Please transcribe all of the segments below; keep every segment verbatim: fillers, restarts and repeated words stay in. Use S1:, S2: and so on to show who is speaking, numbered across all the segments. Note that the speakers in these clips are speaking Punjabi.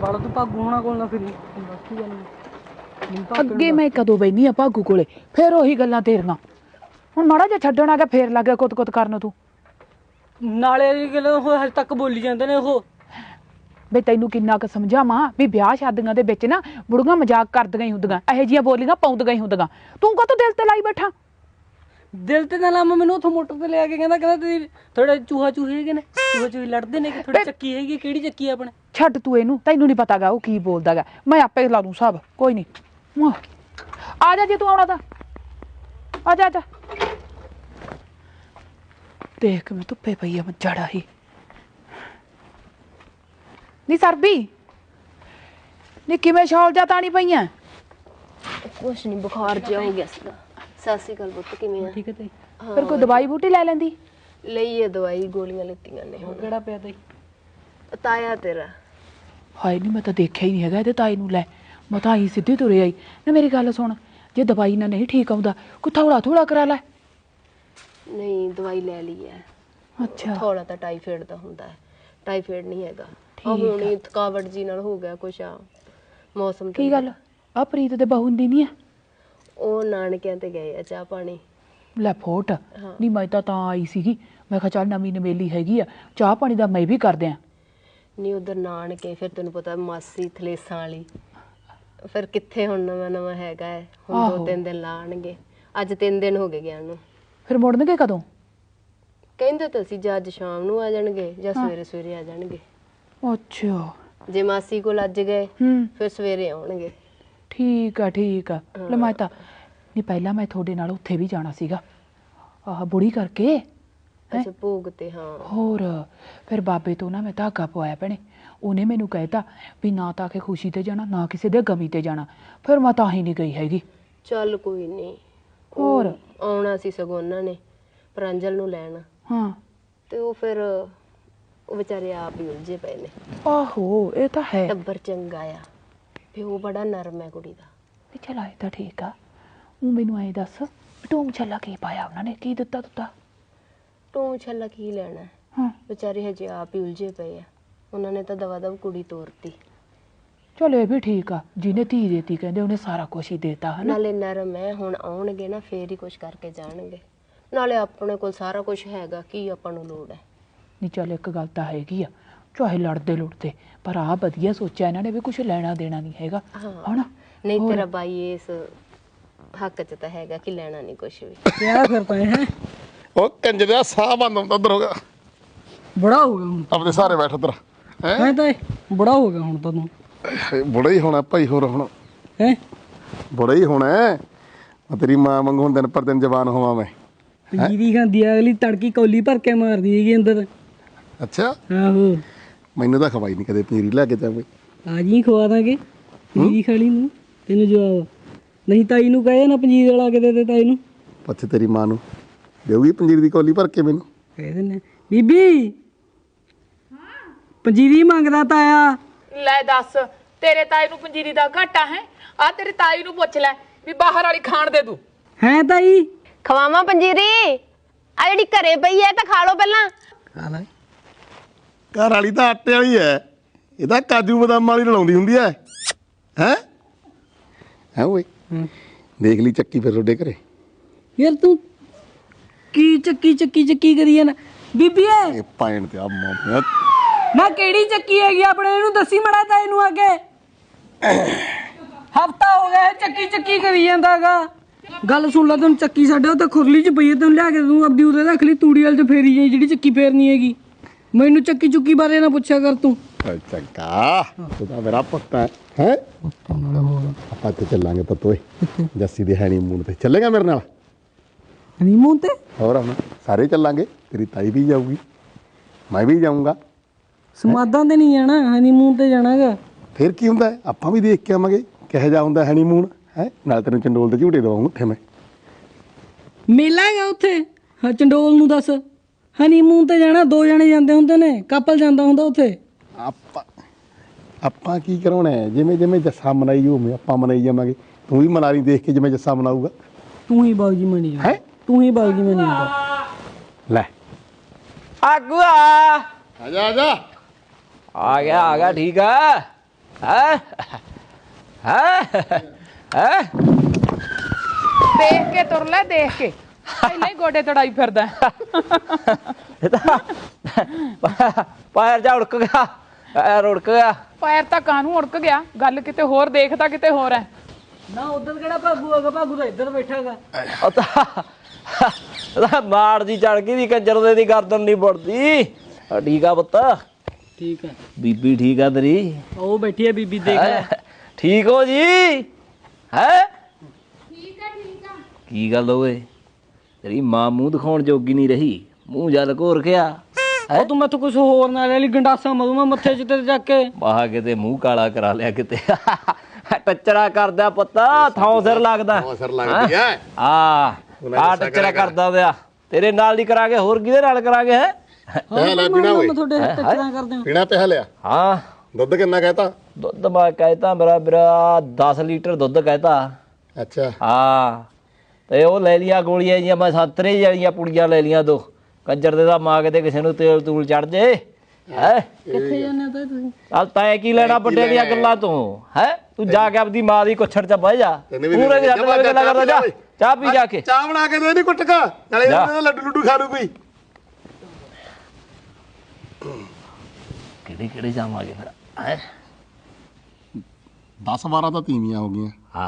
S1: ਬਾਲਾ ਤੂੰ ਭਾਗੂ ਹੋਣਾ ਕੋਲ ਨਾ ਫਿਰੀ ਬਾਕੀ ਗੱਲ
S2: ਅੱਗੇ ਮੈਂ ਕਦੋਂ ਬੈਨੀ ਆ ਭਾਗੂ ਕੋਲੇ ਫੇਰ ਉਹੀ ਗੱਲਾਂ ਤੇਰੀਆਂ ਹੁਣ ਮਾੜਾ ਜਿਹਾ ਛੱਡਣ ਆ ਗਿਆ ਫੇਰ ਲੱਗ ਗਿਆ ਕੁੱਤ ਕੁੱਤ ਕਰਨ ਤੂੰ
S1: ਨਾਲੇ ਇਹ ਗੱਲ ਉਹ ਹਜੇ ਤੱਕ ਬੋਲੀ ਜਾਂਦੇ ਨੇ ਉਹ
S2: ਬਈ ਤੈਨੂੰ ਕਿੰਨਾ ਕੁ ਸਮਝਾਵਾਂ ਵੀ ਵਿਆਹ ਸ਼ਾਦੀਆਂ ਦੇ ਵਿੱਚ ਨਾ ਬੁੜੀਆਂ ਮਜ਼ਾਕ ਕਰਦੀਆਂ ਹੀ ਹੁੰਦੀਆਂ ਇਹੋ ਜਿਹੀਆਂ ਬੋਲੀਆਂ ਪਾਉਂਦੀਆਂ ਹੀ ਹੁੰਦੀਆਂ ਤੂੰ ਕਾਹਤੋਂ ਦਿਲ ਤੇ ਲਾਈ ਬੈਠਾ
S1: ਦਿਲ ਤੇ ਨਾ ਲਾਵਾਂ ਮੈਨੂੰ ਉੱਥੋਂ ਮੋਟਰ ਤੇ ਲਿਆ ਕੇ ਕਹਿੰਦਾ ਕਹਿੰਦਾ ਤੁਸੀਂ ਥੋੜੇ ਚੂਹਾ ਚੂਹੇ ਹੈਗੇ ਨੇ ਚੂਹਾ ਚੂਹੇ ਲੜਦੇ ਨੇ ਕਿ ਥੋੜੀ ਚੱਕੀ ਹੈਗੀ ਕਿਹੜੀ ਚੱਕੀ ਆਪਣੇ
S2: ਛੱਡ ਤੂੰ ਇਹਨੂੰ ਤੈਨੂੰ ਨਹੀਂ ਪਤਾਗਾ ਉਹ ਕੀ ਬੋਲਦਾਗਾ ਮੈਂ ਆਪੇ ਲਾ ਦੂੰ ਹਿਸਾਬ ਕੋਈ ਨਹੀਂ ਆ ਜਾ ਜੇ ਤੂੰ ਆਉਣਾ ਤਾਂ ਆ ਜਾ ਆ ਜਾ ਦੇਖ ਮੈਂ ਧੁੱਪੇ ਪਈ ਆ ਮੈਂ ਜੜਾ ਹੀ ਨੀ ਸਰਬੀ ਨੀ ਕਿਵੇਂ ਸ਼ਾਲ ਜਾ ਤਾਣੀ ਪਈਆਂ
S3: ਕੁਛ ਨਹੀਂ ਬੁਖਾਰ ਜਿਹਾ ਹੋ ਗਿਆ ਸੀਗਾ ਸਤਿ ਸ਼੍ਰੀ ਅਕਾਲ ਪੁੱਤ ਕਿਵੇਂ ਆ
S1: ਠੀਕ ਹੈ ਤੇ
S2: ਫਿਰ ਕੋਈ ਦਵਾਈ ਬੂਟੀ ਲੈ ਲੈਂਦੀ
S3: ਲਈ ਹੈ ਦਵਾਈ ਗੋਲੀਆਂ ਲਿੱਤੀਆਂ ਨੇ ਹੁਣ
S1: ਕਿਹੜਾ ਪਿਆ ਤੇ
S3: ਤਾਇਆ ਤੇਰਾ
S2: ਹਾਏ ਨਹੀਂ ਮੈਂ ਤਾਂ ਦੇਖਿਆ ਹੀ ਨਹੀਂ ਹੈਗਾ ਇਹਦੇ ਤਾਈ ਨੂੰ ਲੈ ਮੈਂ ਤਾਂ ਆਈ ਸਿੱਧੀ ਤੁਰੇ ਆਈ ਨਾ ਮੇਰੀ ਗੱਲ ਸੁਣ ਜੇ ਦਵਾਈ ਨਾਲ ਨਹੀਂ ਠੀਕ ਆਉਂਦਾ ਕੋਈ ਥੋੜਾ ਥੋੜਾ ਕਰਾ ਲੈ
S3: ਨਹੀਂ ਦਵਾਈ ਲੈ ਲਈ ਹੈ
S2: ਅੱਛਾ
S3: ਥੋੜਾ ਤਾਂ ਟਾਈਫਾਇਡ ਦਾ ਹੁੰਦਾ ਹੈ ਟਾਈਫਾਇਡ ਨਹੀਂ ਹੈਗਾ ਆ ਹੁਣ ਹੀ ਥਕਾਵਟ ਜੀ ਨਾਲ ਹੋ ਗਿਆ ਕੁਛ ਆ ਮੌਸਮ
S2: ਕੀ ਗੱਲ ਆ ਪ੍ਰੀਤ ਦੇ ਬਹੂ ਦੀ ਨਹੀਂ ਆ
S3: ਉਹ ਨਾਨਕਿਆਂ ਤੇ ਗਏ ਆ ਚਾਹ ਪਾਣੀ
S2: ਲੈ ਫੋਟ ਨਹੀਂ ਮੈਂ ਤਾਂ ਤਾਂ ਆਈ ਸੀਗੀ ਮੈਂ ਕਿਹਾ ਚੱਲ ਨਵੀਂ ਨਵੇਲੀ ਹੈਗੀ ਆ ਚਾਹ ਪਾਣੀ ਦਾ ਮੈਂ ਵੀ ਕਰਦੇ ਆ
S3: ਨਹੀਂ ਉਧਰ ਨਾਨਕੇ ਫਿਰ ਤੈਨੂੰ ਪਤਾ ਮਾਸੀ ਥਲੇਸਾਂ ਵਾਲੀ ਫਿਰ ਕਿੱਥੇ ਹੁਣ ਨਵਾਂ ਨਵਾਂ ਹੈਗਾ ਹੈ ਹੁਣ ਦੋ ਤਿੰਨ ਦਿਨ ਲਾਣਗੇ ਅੱਜ ਤਿੰਨ ਦਿਨ ਹੋ ਗਏ ਗਿਆ ਨੂੰ
S2: ਫਿਰ ਮੁੜਨਗੇ ਕਦੋਂ
S3: ਕਹਿੰਦੇ ਤਾਂ ਸੀ ਜਾਂ ਅੱਜ ਸ਼ਾਮ ਨੂੰ ਆ ਜਾਣਗੇ ਜਾਂ ਸਵੇਰੇ ਸਵੇਰੇ ਆ ਜਾਣਗੇ
S2: ਅੱਛਾ
S3: ਜੇ ਮਾਸੀ ਕੋਲ ਅੱਜ ਗਏ
S2: ਹੂੰ
S3: ਫਿਰ ਸਵੇਰੇ ਆਉਣਗੇ
S2: ਠੀਕ ਆ ਠੀਕ ਆ ਲੈ ਮੈਂ ਤਾਂ ਨਹੀਂ ਪਹਿਲਾਂ ਮੈਂ ਤੁਹਾਡੇ ਨਾਲ ਉੱਥੇ ਵੀ ਜਾਣਾ ਸੀਗਾ ਆਹ ਬੁੜੀ ਕਰਕੇ
S3: ਅੱਛਾ ਭੋਗ ਤੇ ਹਾਂ
S2: ਹੋਰ ਫਿਰ ਬਾਬੇ ਤੋਂ ਨਾ ਮੈਂ ਧਾਗਾ ਪਵਾਇਆ ਭੈਣੇ ਉਹਨੇ ਮੈਨੂੰ ਕਹਿਤਾ ਵੀ ਨਾ ਤਾਂ ਕਿ ਖੁਸ਼ੀ ਤੇ ਜਾਣਾ ਨਾ ਕਿਸੇ ਦੇ ਗਮੀ ਤੇ ਜਾਣਾ ਫਿਰ ਮੈਂ ਤਾਂ ਹੀ ਨਹੀਂ ਗਈ ਹੈਗੀ
S3: ਚੱਲ ਕੋਈ ਨਹੀਂ
S2: ਹੋਰ
S3: ਆਉਣਾ ਸੀ ਸਗੋਂ ਉਹਨਾਂ ਨੇ ਪ੍ਰਾਂਜਲ ਨੂੰ ਲੈਣ
S2: ਹਾਂ
S3: ਤੇ ਉਹ ਫਿਰ ਉਹ ਵਿਚਾਰੇ ਆਪ ਹੀ ਉਲਝੇ ਪਏ ਨੇ
S2: ਆਹੋ ਇਹ ਤਾਂ ਹੈ
S3: ਟੱਬਰ ਚੰਗਾ ਆ ਪਿਓ ਬੜਾ ਨਰਮ ਹੈ ਕੁੜੀ ਦਾ
S2: ਵੀ ਚਲ ਆਏ ਤਾਂ ਠੀਕ ਆ ਉਹ ਮੈਨੂੰ ਐ ਦੱਸ ਟੂਮ ਛੱਲਾ ਕੀ ਪਾਇਆ ਉਹਨਾਂ ਨੇ ਕੀ ਦਿੱਤਾ ਦਿੱਤਾ
S3: ਟੂਮ ਛੱਲਾ ਕੀ ਲੈਣਾ
S2: ਹਾਂ
S3: ਵਿਚਾਰੇ ਹਜੇ ਆਪ ਹੀ ਉਲਝੇ ਪਏ ਆ ਉਹਨਾਂ ਨੇ ਤਾਂ ਦਵਾ ਦਵ ਕੁੜੀ ਤੋਰਤੀ
S2: ਚਲ ਇਹ ਵੀ ਠੀਕ ਆ ਜਿਹਨੇ ਧੀ ਦੇਤੀ ਕਹਿੰਦੇ ਉਹਨੇ ਸਾਰਾ ਕੁਝ ਹੀ ਦੇਤਾ ਹਨਾ
S3: ਨਾਲੇ ਨਰਮ ਹੈ ਹੁਣ ਆਉਣਗੇ ਨਾ ਫੇਰ ਹੀ ਕੁਝ ਕਰਕੇ ਜਾਣਗੇ ਨਾਲੇ ਆਪਣੇ ਕੋਲ ਸਾਰਾ ਕੁਝ ਹੈਗਾ ਕੀ ਆਪਾਂ ਨੂੰ ਲੋੜ ਹੈ
S2: ਨਹੀਂ ਚੱਲ ਇੱਕ ਗੱਲ ਤਾਂ ਹੈਗੀ ਆ ਚਾਹੇ ਲੜਦੇ ਲੁੜਦੇ ਪਰ ਆ ਵਧੀਆ ਸੋਚਿਆ ਇਹਨਾਂ ਨੇ ਵੀ ਕੁਝ ਲੈਣਾ ਦੇਣਾ ਨਹੀਂ ਹੈਗਾ ਹਨਾ
S3: ਨਹੀਂ ਤੇਰਾ ਬਾਈ ਇਸ ਹੱਕ 'ਚ ਤਾਂ ਹੈਗਾ ਕਿ ਲੈਣਾ ਨਹੀਂ ਕੁਝ ਵੀ
S1: ਕਿਆ ਫਿਰ ਪਏ ਹੈ
S4: ਉਹ ਕੰਜਰਿਆ ਸਾਹ ਬੰਦ ਹੁੰਦਾ ਉਧਰ ਹੋ ਗਿਆ
S1: ਬੜਾ ਹੋ ਗਿਆ ਹੁਣ
S4: ਆਪਣੇ ਸਾਰੇ ਬੈਠ ਉਧਰ ਹੈ
S1: ਮੈਂ ਤਾਂ ਬੜਾ ਹੋ ਗਿਆ ਹੁਣ ਤਾਂ ਤੂੰ
S4: ਬੜਾ ਹੀ ਹੋਣਾ ਭਾਈ ਹੋਰ ਹੁਣ
S1: ਹੈ
S4: ਬੜਾ ਹੀ ਹੋਣਾ ਮੈਂ ਤੇਰੀ ਮਾਂ ਵਾਂਗੂ ਹੁਣ ਦਿਨ ਪਰ ਦਿਨ ਜਵਾਨ ਹੋਵਾਂ ਮੈਂ
S1: ਪੰਜੀਰੀ ਖਾਂਦੀ ਆ ਅਗਲੀ ਤੜਕੀ ਕੌਲੀ ਭਰ ਕੇ ਮਾਰਦੀ ਹੈਗੀ ਅੰਦਰ
S4: ਅੱਛਾ
S1: ਆਹੋ
S4: ਮੈਨੂੰ ਤਾਂ ਖਵਾਈ ਨਹੀਂ ਕਦੇ ਪਨੀਰੀ ਲੈ ਕੇ ਜਾਵੇ
S1: ਆ ਜੀ ਖਵਾ ਦਾਂਗੇ ਪੰਜੀਰੀ ਖਾਲੀ ਨੂੰ ਤੈਨੂੰ ਜਵਾਬ ਨਹੀਂ ਤਾਈ ਨੂੰ ਕਹੇ ਨਾ ਪੰਜੀਰੀ ਵਾਲਾ ਕੇ ਦੇ ਦੇ ਤਾਈ ਨੂੰ
S4: ਪੁੱਛ ਤੇਰੀ ਮਾਂ ਨੂੰ ਦੇਊਗੀ ਪੰਜੀਰੀ ਦੀ ਕੌਲੀ ਭਰ ਕੇ ਮੈਨੂੰ
S1: ਕਹਿ ਦਿੰਨੇ ਬੀਬੀ ਪੰਜੀਰੀ ਮੰਗਦਾ ਤਾਇਆ
S2: ਲੈ ਦੱਸ ਤੇਰੇ ਤਾਈ ਨੂੰ ਪੰਜੀਰੀ ਦਾ ਘਾਟਾ ਹੈ ਆ ਤੇਰੀ ਤਾਈ ਨੂੰ ਪੁੱਛ ਲੈ ਵੀ ਬਾਹਰ ਵਾਲੀ ਖਾਣ ਦੇ ਤੂੰ
S1: ਹੈ ਤਾਈ
S3: ਖਵਾਵਾਂ ਪੰਜੀਰੀ ਆ ਜਿਹੜੀ ਘਰੇ ਪਈ ਹੈ ਤਾਂ ਖਾ ਲਓ ਪਹਿਲਾਂ
S1: ਖਾ ਲੈ
S4: ਘਰ ਵਾਲੀ ਤਾਂ ਆਟੇ ਵਾਲੀ ਹੈ ਇਹਦਾ ਕਾਜੂ ਬਦਾਮ ਵਾਲੀ ਰਲਾਉਂਦੀ ਹੁੰਦੀ ਹੈ ਹੈ ਹੈ ਓਏ ਦੇਖ ਲਈ ਚੱਕੀ ਫਿਰ ਤੁਹਾਡੇ ਘਰੇ
S1: ਯਾਰ ਤੂੰ ਕੀ ਚੱਕੀ ਚੱਕੀ ਚੱਕੀ ਕਰੀ ਜਾਣਾ ਬੀਬੀ
S4: ਇਹ ਪਾਇਣ ਤੇ ਆ ਮਾਂ
S1: ਨਾ ਕਿਹੜੀ ਚੱਕੀ ਹੈਗੀ ਆਪਣੇ ਇਹਨੂੰ ਦੱਸੀ ਮੜਾ ਤਾਂ ਇਹਨੂੰ ਅੱਗੇ ਹਫਤਾ ਹੋ ਗਿਆ ਚੱਕੀ ਚੱਕੀ ਕਰੀ ਜਾਂਦਾਗਾ ਗੱਲ ਸੁਣ ਲੈ ਤੈਨੂੰ ਚੱਕੀ ਸਾਡੇ ਉਹ ਤਾਂ ਖੁਰਲੀ 'ਚ ਪਈ ਹੈ ਤੈਨੂੰ ਲਿਆ ਕੇ ਤੂੰ ਆਪਦੀ ਉਰੇ ਰੱਖ ਲਈ ਤੂੜੀ ਵਾਲ 'ਚ ਫੇਰੀ ਜਾਈ ਜਿਹੜੀ ਚੱਕੀ ਫੇਰਨੀ ਹੈਗੀ ਮੈਨੂੰ ਚੱਕੀ ਚੁੱਕੀ ਬਾਰੇ ਨਾ ਪੁੱਛਿਆ ਕਰ ਤੂੰ
S4: ਚੰਗਾ ਤੂੰ ਤਾਂ ਮੇਰਾ ਪੁੱਤ ਹੈ ਹੈ ਆਪਾਂ ਤੇ ਚੱਲਾਂਗੇ ਪਤੋਏ ਜੱਸੀ ਦੇ ਹੈਨੀਮੂਨ ਤੇ ਚੱਲੇਗਾ ਮੇਰੇ ਨਾਲ
S1: ਹਨੀਮੂਨ ਤੇ
S4: ਹੋਰ ਹੁਣ ਸਾਰੇ ਚੱਲਾਂਗੇ ਤੇਰੀ ਤਾਈ ਵੀ ਜਾਊਗੀ ਮੈਂ ਵੀ ਜਾਊਂਗਾ
S1: ਸਮਾਦਾਂ ਤੇ ਨਹੀਂ ਜਾਣਾ ਹਨੀਮੂਨ ਤੇ ਜਾਣਾਗਾ
S4: ਫਿਰ ਕੀ ਹੁੰਦਾ ਹੈ ਆਪਾਂ ਵੀ ਦੇਖ ਕੇ ਆਵਾਂਗੇ ਕਿਹੋ ਜਿਹਾ ਹੁੰਦਾ ਹੈਨੀਮੂਨ ਹੈ ਨਾਲ ਤੈਨੂੰ ਚੰਡੋਲ ਦੇ ਝੂਟੇ ਦਵਾਉਂਗਾ ਉੱਥੇ ਮੈਂ
S1: ਮੇਲਾ ਹੈਗਾ ਉੱਥੇ ਹਾਂ ਚੰਡੋਲ ਨੂੰ ਦੱਸ ਹਨੀਮੂਨ ਤੇ ਜਾਣਾ ਦੋ ਜਣੇ ਜਾਂਦੇ ਹੁੰਦੇ ਨੇ ਕਪਲ ਜਾਂਦਾ ਹੁੰਦਾ ਉੱਥੇ
S4: ਆਪਾਂ ਆਪਾਂ ਕੀ ਕਰਾਉਣਾ ਹੈ ਜਿਵੇਂ ਜਿਵੇਂ ਜੱਸਾ ਮਨਾਈ ਹੋਵੇ ਆਪਾਂ ਮਨਾਈ ਜਾਵਾਂਗੇ ਤੂੰ ਵੀ ਮਨਾ ਲਈ ਦੇਖ ਕੇ ਜਿਵੇਂ ਜੱਸਾ ਮਨਾਊਗਾ
S1: ਤੂੰ ਹੀ ਬਾਗੀ ਮਣੀ
S4: ਹੈ
S1: ਤੂੰ ਹੀ ਬਾਗੀ ਮਣੀ ਜਾਂਦਾ
S4: ਲੈ
S5: ਆਗੂਆ
S4: ਆ ਜਾ ਆ ਜਾ
S5: ਆ ਗਿਆ ਆ ਗਿਆ ਠੀਕ ਆ ਹੈ ਹੈ ਹੈ
S2: ਦੇਖ ਕੇ ਤੁਰ ਲੈ ਦੇਖ ਕੇ ਪਹਿਲਾਂ ਹੀ ਗੋਡੇ ਤੜਾਈ ਫਿਰਦਾ
S5: ਇਹ ਤਾਂ ਪੈਰ ਜਾ ਉੜਕ ਗਿਆ ਪੈਰ ਉੜਕ ਗਿਆ
S2: ਪੈਰ ਤਾਂ ਕਾਹਨੂੰ ਉੜਕ ਗਿਆ ਗੱਲ ਕਿਤੇ ਹੋਰ ਦੇਖਦਾ ਕਿਤੇ ਹੋਰ ਹੈ
S1: ਨਾ ਉਧਰ ਕਿਹੜਾ ਭਾਗੂ ਹੈਗਾ ਭਾਗੂ ਤਾਂ ਇੱਧਰ ਬੈਠਾ ਹੈਗਾ
S5: ਉਹ ਤਾਂ ਉਹਦਾ ਮਾੜ ਜੀ ਚੜ ਗਈ ਦੀ ਕੰਜਰ ਦੇ ਦੀ ਗਰਦਨ ਨਹੀਂ ਬੁੜਦੀ ਆ ਠੀਕ ਆ ਪੁੱਤ
S1: ਠੀਕ ਹੈ
S5: ਬੀਬੀ ਠੀਕ ਆ ਤੇਰੀ
S1: ਉਹ ਬੈਠੀ ਹੈ ਬੀਬੀ ਦੇਖ ਲੈ
S5: ਹੈਂ? ਠੀਕ ਹੋ ਜੀ ਹੈ ਠੀਕ ਆ ਠੀਕ ਆ ਕੀ ਗੱਲ ਹੋਵੇ ਤੇਰੀ ਮਾਂ ਮੂੰਹ ਦਿਖਾਉਣ ਜੋਗੀ ਨਹੀਂ ਰਹੀ ਮੂੰਹ ਜਲ ਘੋਰ ਗਿਆ
S1: ਉਹ ਤੂੰ ਮੈਥੋਂ ਕੁਝ ਹੋਰ ਨਾ ਲੈ ਲਈ ਗੰਡਾਸਾ ਮਰੂ ਮੈਂ ਮੱਥੇ 'ਚ ਤੇਰੇ ਜਾ ਕੇ
S5: ਬਾਹ ਕਿਤੇ ਮੂੰਹ ਕਾਲਾ ਕਰਾ ਲਿਆ ਕਿਤੇ ਟੱਚਰਾ ਕਰਦਾ ਪੁੱਤਾ ਥਾਂ ਸਿਰ ਲੱਗਦਾ
S4: ਥਾਂ ਸਿਰ ਲੱਗਦੀ ਐ।
S5: ਆ ਆ ਟੱਚਰਾ ਕਰਦਾ ਵਿਆ ਤੇਰੇ ਨਾਲ ਨਹੀਂ ਕਰਾਂਗੇ ਹੋਰ ਕਿਹਦੇ ਨਾਲ ਕਰਾਂਗੇ ਹੈ
S4: ਪਿਆ ਲੈ ਪੀਣਾ ਓਏ
S1: ਮੈਂ ਤੁਹਾਡੇ ਟੱਚਰਾਂ ਕਰਦੇ ਹਾਂ
S4: ਪੀਣਾ ਪਿਆ ਲਿਆ
S5: ਹਾਂ
S4: ਦੁੱਧ ਕਿੰਨਾ ਕਹਿਤਾ
S5: ਦੁੱਧ ਮੈਂ ਕਹਿਤਾ ਮੇਰਾ ਮੇਰਾ ਦਸ ਲੀਟਰ ਦੁੱਧ ਕਹਿਤਾ
S4: ਅੱਛਾ
S5: ਹਾਂ ਤੇ ਉਹ ਲੈ ਲਿਆ ਗੋਲੀਆਂ ਜੀਆਂ ਮੈਂ ਸੰਤਰੇ ਵਾਲੀਆਂ ਪੁੜੀਆਂ ਲੈ ਲੀਆਂ ਦੋ ਕੰਜਰ ਦੇ ਦਾ ਮਾਂ ਕਿਤੇ ਕਿਸੇ ਨੂੰ ਤੇਲ ਤੂਲ ਚੜ ਜੇ ਹੈ
S1: ਕਿੱਥੇ ਜਾਂਦੇ ਤਾਂ ਤੁਸੀਂ
S5: ਚੱਲ ਤੈਂ ਕੀ ਲੈਣਾ ਵੱਡੇ ਦੀਆਂ ਗੱਲਾਂ ਤੋਂ ਹੈ ਤੂੰ ਜਾ ਕੇ ਆਪਦੀ ਮਾਂ ਦੀ ਕੁੱਛੜ ਚ ਬਹਿ ਜਾ ਪੂਰੇ ਜੱਟ ਨਾਲ ਗੱਲਾਂ ਕਰਦਾ ਜਾ ਚਾਹ ਪੀ ਜਾ ਕੇ
S4: ਚਾਹ ਬਣਾ ਕੇ ਦੇ ਨਹੀਂ ਕੁੱਟਕਾ ਨਾਲੇ ਇਹਦੇ ਲੱਡੂ ਲੱਡੂ ਖਾ ਲੂ ਪਈ
S5: ਕਿਹੜੇ ਕਿਹੜੇ ਜਾਵਾਂਗੇ ਫਿਰ ਹੈ
S4: ਦਸ ਬਾਰਾਂ ਤਾਂ ਤੀਵੀਆਂ ਹੋ ਗਈਆਂ
S5: ਹਾਂ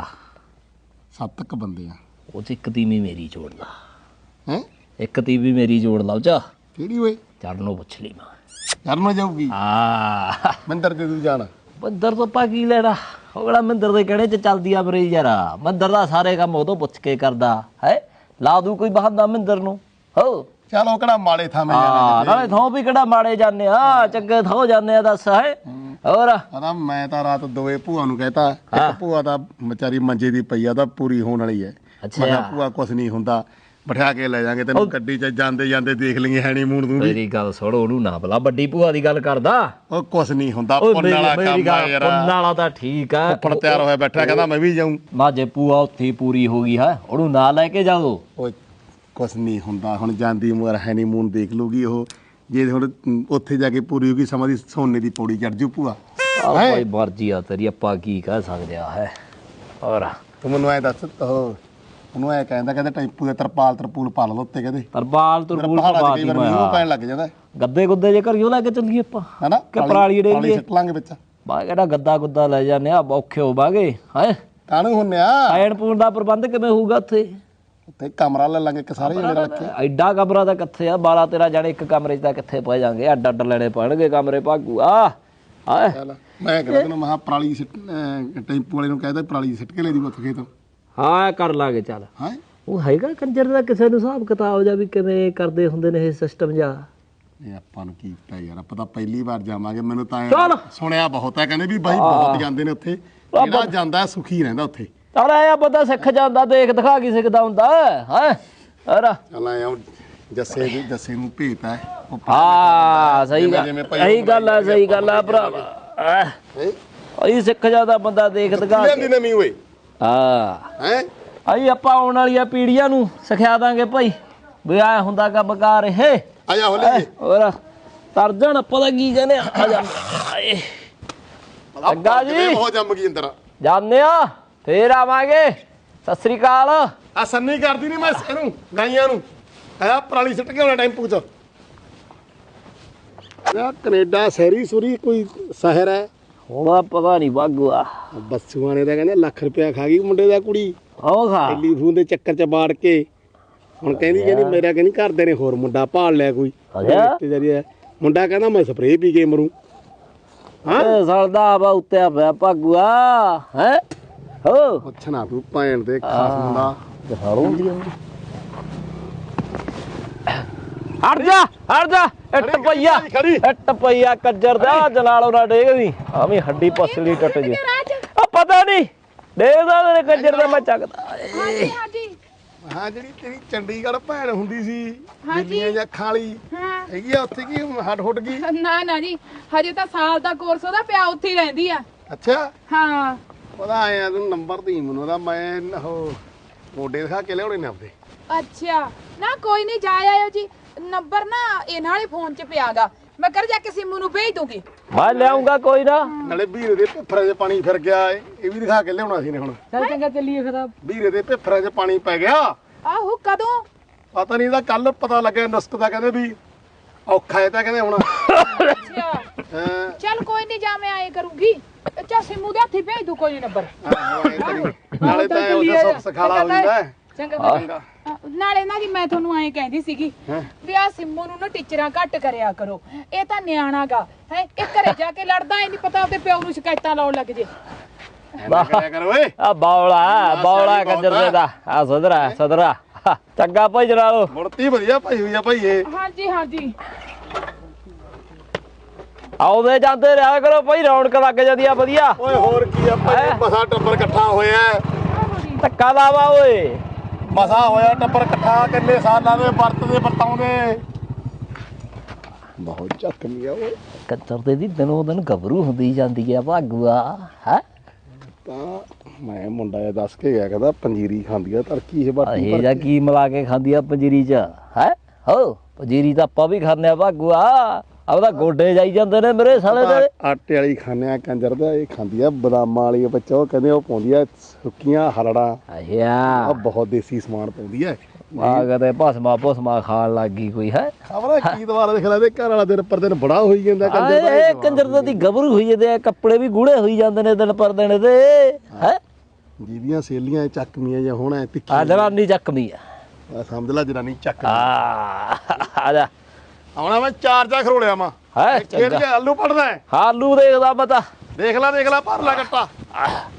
S4: ਸੱਤ ਕ ਬੰਦੇ ਆ
S5: ਉਹ ਚ ਇੱਕ ਤੀਵੀਂ ਮੇਰੀ ਜੋੜ ਲਾ
S4: ਹੈ
S5: ਇੱਕ ਤੀਵੀਂ ਮੇਰੀ ਜੋੜ ਲਾ ਉਹ ਚ
S4: ਕਿਹੜੀ ਓਏ
S5: ਚੜ੍ਹ ਨੂੰ ਪੁੱਛ ਲਈ ਮੈਂ
S4: ਕਰਨ ਜਾਊਗੀ
S5: ਹਾਂ
S4: ਮੰਦਰ ਤੇ ਤੂੰ ਜਾਣਾ
S5: ਮੰਦਰ ਤੋਂ ਪਾ ਕੀ ਲੈਣਾ ਉਹਲਾ ਮੰਦਰ ਦੇ ਕਿਹੜੇ ਚ ਚੱਲਦੀ ਆ ਮਰੀ ਯਾਰ ਮੰਦਰ ਦਾ ਸਾਰੇ ਕੰਮ ਉਹ ਤੋਂ ਪੁੱਛ ਕੇ ਕਰਦਾ ਹੈ ਲਾ ਦੂ ਕੋਈ ਬਹਾਨਾ ਮੰਦਰ ਨੂੰ ਹੋ
S4: ਚਲ ਉਹ ਕਿਹੜਾ ਮਾੜੇ ਥਾਂ ਮੈਂ
S5: ਹਾਂ ਨਾਲੇ ਥੋਂ ਵੀ ਕਿਹੜਾ ਮਾੜੇ ਜਾਂਦੇ ਆ ਚੰਗੇ ਥੋਂ ਜਾਂਦੇ ਆ ਦੱਸ ਹੈ ਹੋਰ
S4: ਆਦਾ ਮੈਂ ਤਾਂ ਰਾਤ ਦੋਏ ਭੂਆ ਨੂੰ ਕਹਿਤਾ ਇੱਕ ਭੂਆ ਦਾ ਵਿਚਾਰੀ ਮੰਜੇ ਦੀ ਪਈ ਆ ਤਾਂ ਪੂਰੀ ਹੋਣ ਵਾਲੀ ਹੈ ਮੈਂ ਕਿਹਾ ਭੂਆ ਕੁਛ ਨਹੀਂ ਹੁੰਦਾ ਬਿਠਾ ਕੇ ਲੈ ਜਾਾਂਗੇ ਤੈਨੂੰ ਗੱਡੀ 'ਚ ਜਾਂਦੇ ਜਾਂਦੇ ਦੇਖ ਲਈਏ ਹੈਨੀਮੂਨ ਤੂੰ ਵੀ
S5: ਮੇਰੀ ਗੱਲ ਸੁਣ ਉਹਨੂੰ ਨਾ ਬਲਾ ਵੱਡੀ ਭੂਆ ਦੀ ਗੱਲ ਕਰਦਾ
S4: ਉਹ ਕੁਛ ਨਹੀਂ ਹੁੰਦਾ ਪੁੰਨ ਵਾਲਾ ਕੰਮ ਆ ਯਾਰ
S5: ਪੁੰਨ ਵਾਲਾ ਤਾਂ ਠੀਕ ਆ
S4: ਫੜ ਤਿਆਰ ਹੋਇਆ ਬੈਠਾ ਕਹਿੰਦਾ ਮੈਂ ਵੀ ਜਾਊਂ
S5: ਨਾ ਜੇ ਭੂਆ ਉੱਥੇ ਪੂਰੀ ਹੋ ਗਈ ਹੈ ਉਹਨੂੰ ਨਾ ਲੈ ਕੇ ਜਾਓ
S4: ਓਏ ਕੁਛ ਨਹੀਂ ਹੁੰਦਾ ਹੁਣ ਜਾਂਦੀ ਉਮਰ ਹੈਨੀਮੂਨ ਦੇਖ ਲੂਗੀ ਉਹ ਜੇ ਹੁਣ ਉੱਥੇ ਜਾ ਕੇ ਪੂਰੀ ਹੋ ਗਈ ਸਮਾਂ ਦੀ ਸੋਨੇ ਦੀ ਪੌੜੀ ਚੜ ਜੂ ਭੂਆ
S5: ਆ ਕੋਈ ਮਰਜ਼ੀ ਆ ਤੇਰੀ ਆਪਾਂ ਕੀ ਕਹਿ ਸਕਦੇ ਆ ਹੈ ਹੋਰ
S4: ਤੂੰ ਮੈਨੂੰ ਐ ਦੱਸ ਉਹ ਉਹਨੂੰ ਐ ਕਹਿੰਦਾ ਕਹਿੰਦਾ ਟੈਂਪੂ ਦੇ ਤਰਪਾਲ ਤਰਪੂਲ ਪਾ ਲਓ ਉੱਤੇ ਕਹਿੰਦੇ
S5: ਤਰਪਾਲ ਤਰਪੂਲ
S4: ਪਹਾੜਾਂ 'ਚ
S5: ਪਾ
S4: ਕਈ
S5: ਦੀ
S4: ਵਾਰ
S5: ਮੈਂ
S4: ਮੀਂਹ ਪੈਣ ਲੱਗ ਜਾਂਦਾ
S5: ਗੱਦੇ ਗੁੱਦੇ ਜੇ ਘਰਿਓ ਲੈ ਕੇ ਚੱਲੀਏ ਆਪਾਂ
S4: ਹਨਾ
S5: ਕਿ ਪਰਾਲੀ ਡੇ
S4: ਪਾਣੀ ਸਿੱਟ ਲਾਂਗੇ ਵਿੱਚ
S5: ਬਾ ਕਿਹੜਾ ਗੱਦਾ ਗੁੱਦਾ ਲੈ ਜਾਂਦੇ ਆ ਔਖੇ ਹੋਵਾਂਗੇ ਹੈ
S4: ਕਾਹਨੂੰ ਹੁੰਨਿਆ
S5: ਖਾਣ ਪੂਣ ਦਾ ਪ੍ਰਬੰਧ ਕਿਵੇਂ ਹੋਊਗਾ ਉੱਥੇ
S4: ਉੱਤੇ ਕਮਰਾ ਲੈ ਲਾਂਗੇ ਇੱਕ ਸਾਰੇ ਜਣੇ ਰਲ ਕੇ
S5: ਐਡਾ ਕਮਰਾ ਤਾਂ ਕਿੱਥੇ ਆ ਬਾਰਾਂ ਤੇਰਾਂ ਜਾਣੇ ਇੱਕ ਕਮਰੇ 'ਚ ਤਾਂ ਕਿੱਥੇ ਪੈ ਜਾਣਗੇ ਅੱਡ ਅੱਡ ਲੈਣੇ ਪੈਣਗੇ ਕਮਰੇ ਭਾਗੂ ਆ ਹਾਂ
S4: ਚੱਲ ਮੈਂ ਕਹਿੰਦਾ ਤੈਨੂੰ ਮਹਾ ਪਰਾਲੀ ਸਿੱਟ ਅਹ ਟੈਂਪੂ ਵਾਲੇ ਨੂੰ ਕਹਿੰਦਾ ਪਰਾਲੀ ਸਿੱਟ ਕੇ ਲੈ ਦੀ ਉੱਥੇ ਖੇਤ
S5: ਹਾਂ ਕਰ ਲਾਂਗੇ ਚੱਲ
S4: ਹਾਂ
S5: ਉਹ ਹੈਗਾ ਕੰਜਰ ਦਾ ਕਿਸੇ ਨੂੰ ਹਿਸਾਬ ਕਿਤਾਬ ਜਾਂ ਵੀ ਕਿਵੇਂ ਕਰਦੇ ਹੁੰਦੇ ਨੇ ਇਹ ਸਿਸਟਮ ਜਾਂ
S4: ਇਹ ਆਪਾਂ ਨੂੰ ਕੀ ਪਤਾ ਯਾਰ ਆਪਾਂ ਤਾਂ ਪਹਿਲੀ ਵਾਰ ਜਾਵਾਂਗੇ ਮੈਨੂੰ ਤਾਂ
S5: ਚੱਲ।
S4: ਸੁਣਿਆ ਬਹੁਤ ਹੈ ਕਹਿੰਦੇ ਵੀ ਬਾਈ ਬਹੁਤ ਜਾਂਦੇ ਨੇ ਉੱਥੇ ਜਿਹੜਾ ਜਾਂਦਾ ਸੁਖੀ ਰਹਿੰਦਾ ਉੱਥੇ
S5: ਚੱਲ ਐ ਬੰਦਾ ਸਿੱਖ ਜਾਂਦਾ ਦੇਖ ਦਿਖਾ ਕੀ ਸਿੱਖਦਾ ਹੁੰਦਾ ਹੈ ਅਰਾ
S4: ਚੱਲ ਆਇਆ ਜੱਸੇ ਦੀ ਜੱਸੇ ਨੂੰ ਭੇਜਤਾ ਹੈ ਉਹ
S5: ਹਾਂ ਸਹੀ ਗੱਲ
S4: ਜਿਵੇਂ ਭਾਈ
S5: ਸਹੀ ਗੱਲ ਆ ਸਹੀ ਗੱਲ ਆ ਭਰਾਵਾ
S4: ਹੈਂ?
S5: ਅਈ ਸਿੱਖ ਜਾਂਦਾ ਬੰਦਾ ਦੇਖ ਦਿਖਾ
S4: ਲਿਆਂਦੀ ਨਵੀਂ ਓਏ
S5: ਹਾਂ
S4: ਹੈ
S5: ਅਈ ਆਪਾਂ ਆਉਣ ਵਾਲੀਆਂ ਪੀੜ੍ਹੀਆਂ ਨੂੰ ਸਿਖਾ ਦਾਂਗੇ ਭਾਈ ਵੀ ਆ ਹੁੰਦਾ ਕੰਮ ਕਾਰ ਇਹ
S4: ਆਇਆ ਹੋ ਲੈ
S5: ਹੋਰ ਤਰਜਣ ਪਤਾ ਕੀ ਕਹਿੰਦੇ ਆ ਜਾ ਆਏ ਅੱਗਾ ਜੀ
S4: ਬਹੁਤ ਜੰਮ ਗਈ ਅੰਦਰ
S5: ਜਾਂਦੇ ਆ ਫੇਰ ਆਵਾਂਗੇ ਸਤਿ ਸ੍ਰੀ ਅਕਾਲ
S4: ਆ ਸੰਨੀ ਕਰਦੀ ਨਹੀਂ ਮੈਂ ਇਹਨੂੰ ਗਾਈਆਂ ਨੂੰ ਆਇਆ ਪਰਾਲੀ ਸਿੱਟ ਕੇ ਆਉਣਾ ਟੈਂਪੂ 'ਚ ਆ ਕੈਨੇਡਾ ਸਹਿਰੀ ਸੁਰੀ ਕੋਈ ਸ਼ਹਿਰ ਹੈ
S5: ਹੁਣ ਪਤਾ ਨਹੀਂ ਬਾਗੂਆ
S4: ਬੱਸੂਆਂ ਨੇ ਤਾਂ ਕਹਿੰਦੇ ਲੱਖ ਰੁਪਇਆ ਖਾ ਗਈ ਮੁੰਡੇ ਦਾ ਕੁੜੀ
S5: ਉਹ ਖਾ
S4: ਟੈਲੀਫੋਨ ਦੇ ਚੱਕਰ 'ਚ ਬਾੜ ਕੇ ਹੁਣ ਕਹਿੰਦੀ ਕਹਿੰਦੀ ਮੇਰਾ ਕਹਿੰਦੀ ਘਰਦੇ ਨੇ ਹੋਰ ਮੁੰਡਾ ਭਾਲ ਲਿਆ ਕੋਈ ਰਿਸ਼ਤੇਦਾਰੀ ਹੈ ਮੁੰਡਾ ਕਹਿੰਦਾ ਮੈਂ ਸਪਰੇਅ ਪੀ ਕੇ ਮਰੂ
S5: ਹਾਂ ਸਲਦਾ ਬਾ ਉੱਤੇ ਪਿਆ ਭਾਗੂਆ ਹੈ ਹੋ
S4: ਪੁੱਛਣਾ ਤੂੰ ਭੈਣ ਦੇ ਖਾਸ ਮੁੰਡਾ
S5: ਦਿਖਾੜੋ ਹੁੰਦੀ ਹੁੰਦੀ ਹਟ ਜਾ ਹਟ ਜਾ ਇੱਟ ਪਈਆ ਇੱਟ ਪਈਆ ਕੱਜਰ ਦਾ ਜਲਾਲੋ ਨਾ ਡੇਗਦੀ ਆਵੇਂ ਹੱਡੀ ਪਸਲੀ ਟੱਟ ਜੇ ਆ ਪਤਾ ਨਹੀਂ ਡੇਗਦਾ ਤੇਰੇ ਕੱਜਰ ਦਾ ਮੈਂ ਚੱਕਦਾ
S6: ਹਾਂਜੀ ਹਾਂਜੀ
S4: ਹਾਂ ਜਿਹੜੀ ਤੇਰੀ ਚੰਡੀਗੜ੍ਹ ਭੈਣ ਹੁੰਦੀ ਸੀ ਦਿੱਲੀਆਂ ਜਾਂ ਖਾਲੀ ਹੈਗੀ ਆ ਉੱਥੇ ਕੀ ਹੱਡ ਹੁੱਟ ਗਈ
S6: ਨਾ ਨਾ ਜੀ ਹਜੇ ਤਾਂ ਸਾਲ ਦਾ ਕੋਰਸ ਉਹਦਾ ਪਿਆ ਉੱਥੇ ਹੀ ਰਹਿੰਦੀ ਆ
S4: ਅੱਛਾ
S6: ਹਾਂ
S4: ਉਹਦਾ ਆਇਆ ਤੂੰ ਨੰਬਰ ਦੀ ਮੈਨੂੰ ਉਹਦਾ ਮੈਂ ਉਹ ਮੋਢੇ ਦਿਖਾ ਕੇ ਲਿਆਉਣੇ ਨੇ ਆਪਦੇ
S6: ਅੱਛਾ ਨਾ ਕੋਈ ਨਹੀਂ ਜਾ ਆਇਓ ਜੀ ਨੰਬਰ ਨਾ ਇਹਨਾਂ ਵਾਲੇ ਫੋਨ 'ਚ ਪਿਆਗਾ ਮੈਂ ਕਰ ਜਾ ਕੇ ਸਿੰਮੂ ਨੂੰ ਭੇਜ ਦੂੰਗੀ
S5: ਮੈਂ ਲਿਆਉਂਗਾ ਕੋਈ ਨਾ।
S4: ਨਾਲੇ ਵੀਰੇ ਦੇ ਭਿੱਫਰਾਂ 'ਚ ਪਾਣੀ ਫਿਰ ਗਿਆ ਏ, ਇਹ ਵੀ ਦਿਖਾ ਕੇ ਲਿਆਉਣਾ ਸੀ ਨੇ ਹੁਣ।
S1: ਚੱਲ ਚੰਗਾ ਚੱਲੀਏ ਫਿਰ ਆ
S4: ਵੀਰੇ ਦੇ ਭਿੱਫਰਾਂ 'ਚ ਪਾਣੀ ਪੈ ਗਿਆ।
S6: ਆਹੋ ਕਦੋਂ?
S4: ਪਤਾ ਨਹੀਂ ਇਹਦਾ ਕੱਲ ਪਤਾ ਲੱਗਿਆ ਨਸਕ ਦਾ, ਕਹਿੰਦੇ ਵੀ ਔਖਾ ਹੈ ਤਾਂ ਕਹਿੰਦੇ ਹੁਣ।
S6: ਅੱਛਾ
S4: ਹਾਂ
S6: ਚੱਲ ਕੋਈ ਨਹੀਂ, ਜਾ ਮੈਂ ਆਏ ਕਰੂੰਗੀ। ਚੱਲ ਸਿੰਮੂ ਦੇ ਹੱਥੀ ਭੇਜ ਦੂ ਕੋਈ ਨੰਬਰ।
S4: ਆਹੋ, ਐਂ ਕਰੀ। ਨਾਲੇ ਤਾਂ ਉਹਦਾ ਸੁੱਖ ਸਖਾਲਾ ਹੋ ਜਾਂਦਾ ਹੈ।
S6: ਚੰਗਾ
S4: ਚੰਗਾ।
S6: ਨਾਲੇ ਨਾ ਜੀ ਮੈਂ ਤੁਹਾਨੂੰ ਐਂ ਕਹਿੰਦੀ ਸੀਗੀ ਵੀ ਆ ਸਿੰਮੂ ਨੂੰ ਨਾ ਟੀਚਰਾਂ ਘੱਟ ਕਰਿਆ ਕਰੋ, ਇਹ ਤਾਂ ਨਿਆਣਾਗਾ ਹੈ, ਇਹ ਘਰੇ ਜਾ ਕੇ ਲੜਦਾ ਹੀ ਨਹੀਂ, ਪਤਾ ਉਹਦੇ ਪਿਓ ਨੂੰ ਸ਼ਿਕਾਇਤਾਂ ਲਾਉਣ ਲੱਗ ਜੇ।
S4: ਐਂ ਕਰਿਆ ਕਰ ਓਏ।
S5: ਆ ਬੌਲਾ ਬੌਲਾ ਕੰਜਰ ਦੇ ਦਾ ਆ ਸਦਰਾ ਸਦਰਾ ਚੰਗਾ ਭਾਈ ਜਨਾਲੋ।
S4: ਮੁੜਤੀ ਵਧੀਆ ਭਾਈ ਹੋਈ ਆ ਭਾਈ ਇਹ।
S6: ਹਾਂਜੀ ਹਾਂਜੀ
S5: ਆਉਂਦੇ ਜਾਂਦੇ ਰਿਹਾ ਕਰੋ ਭਾਈ, ਰੌਣਕ ਲੱਗ ਜਾਂਦੀ ਆ ਵਧੀਆ।
S4: ਓਏ ਹੋਰ ਕੀ ਆ ਭਾਈ, ਮਸਾ ਟੱਬਰ ਇਕੱਠਾ ਹੋਇਆ ਹੈ।
S5: ਧੱਕਾ ਲਾਵਾ ਓਏ।
S4: ਮਸਾ ਹੋਇਆ ਟੱਬਰ ਇਕੱਠਾ, ਕਿੰਨੇ ਸਾਲਾਂ ਦੇ ਵਰਤਦੇ ਵਰਤਾਉਂਦੇ। ਬਹੁਤ ਜ਼ਖਮੀ ਆ ਓਏ।
S5: ਕੰਜਰ ਦੇ ਦੀ ਦਿਨੋਂ ਦਿਨ ਗੱਭਰੂ ਹੁੰਦੀ ਜਾਂਦੀ ਆ ਭਾਗੂਆ ਹੈ।
S4: ਤਾਂ ਮੈਂ ਮੁੰਡਾ ਇਹ ਦੱਸ ਕੇ ਗਿਆ, ਕਹਿੰਦਾ ਪੰਜੀਰੀ ਖਾਂਦੀ ਆ ਤੜਕੀ ਇਹ ਬਾਟੀ
S5: ਇਹ ਜਾਂ ਕੀ ਮਿਲਾ ਕੇ ਖਾਂਦੀ ਆ ਪੰਜੀਰੀ ਚ ਹੈ। ਹੋ ਪੰਜੀਰੀ ਤਾਂ ਆਪਾਂ ਵੀ ਖਾਂਦੇ ਆ ਭਾਗੂਆ, ਆਪਦਾ ਗੋਡੇ ਜਾਈ ਜਾਂਦੇ ਨੇ ਮੇਰੇ ਸਾਲੇ ਦੇ।
S4: ਆਟੇ ਵਾਲੀ ਖਾਂਦੇ ਆ ਕੰਜਰ ਦਾ, ਇਹ ਖਾਂਦੀ ਆ ਬਦਾਮਾਂ ਵਾਲੀ ਬੱਚਾ, ਉਹ ਕਹਿੰਦੇ ਉਹ ਪਾਉਂਦੀ ਆ ਸੁੱਕੀਆਂ ਹਰੜਾਂ।
S5: ਅੱਛਾ
S4: ਆ ਬਹੁਤ ਦੇਸੀ ਸਮਾਨ ਪਾਉਂਦੀ ਆ।
S5: ਆ ਕਦੇ ਭਸਮਾ ਭੁਸਮਾ ਖਾਣ ਲੱਗ ਗਈ ਕੋਈ ਹੈ।
S4: ਖਬਰ ਕੀ ਦੁਬਾਰਾ ਦੇਖ ਲੈ, ਘਰ ਵਾਲਾ ਦਿਨ ਪਰ ਦਿਨ ਬੜਾ ਹੋਈ ਜਾਂਦਾ ਕੰਜਰ ਦਾ।
S5: ਇਹ ਕੰਜਰ ਦੀ ਗੱਭਰੂ ਹੋਈ ਜਾਂਦੇ ਆ, ਕੱਪੜੇ ਵੀ ਗੂੜੇ ਹੋਈ ਜਾਂਦੇ ਨੇ ਦਿਨ ਪਰ ਦਿਨ ਤੇ ਹੈ।
S4: ਜਿਹਦੀਆਂ ਸੇਲੀਆਂ ਚੱਕਮੀਆਂ ਜਾਂ ਹੁਣ
S5: ਆ
S4: ਤਿੱਖੀਆਂ,
S5: ਜਨਾਨੀ ਚੱਕਮੀ ਆ।
S4: ਆ ਸਮਝ ਲੈ ਜਨਾਨੀ ਚੱਕ
S5: ਆ ਆ ਜਾ
S4: ਆਉਣਾ ਮੈਂ ਚਾਰ ਚਾ ਖਰੋਲਿਆ ਮਾ
S5: ਹੈ
S4: ਕਿਹੜੇ ਆਲੂ ਪੜਦਾ
S5: ਆਲੂ ਦੇਖਦਾ ਪਤਾ।
S4: ਦੇਖ ਲੈ ਦੇਖ ਲੈ ਭਰ ਲੈ ਕੱਟਾ।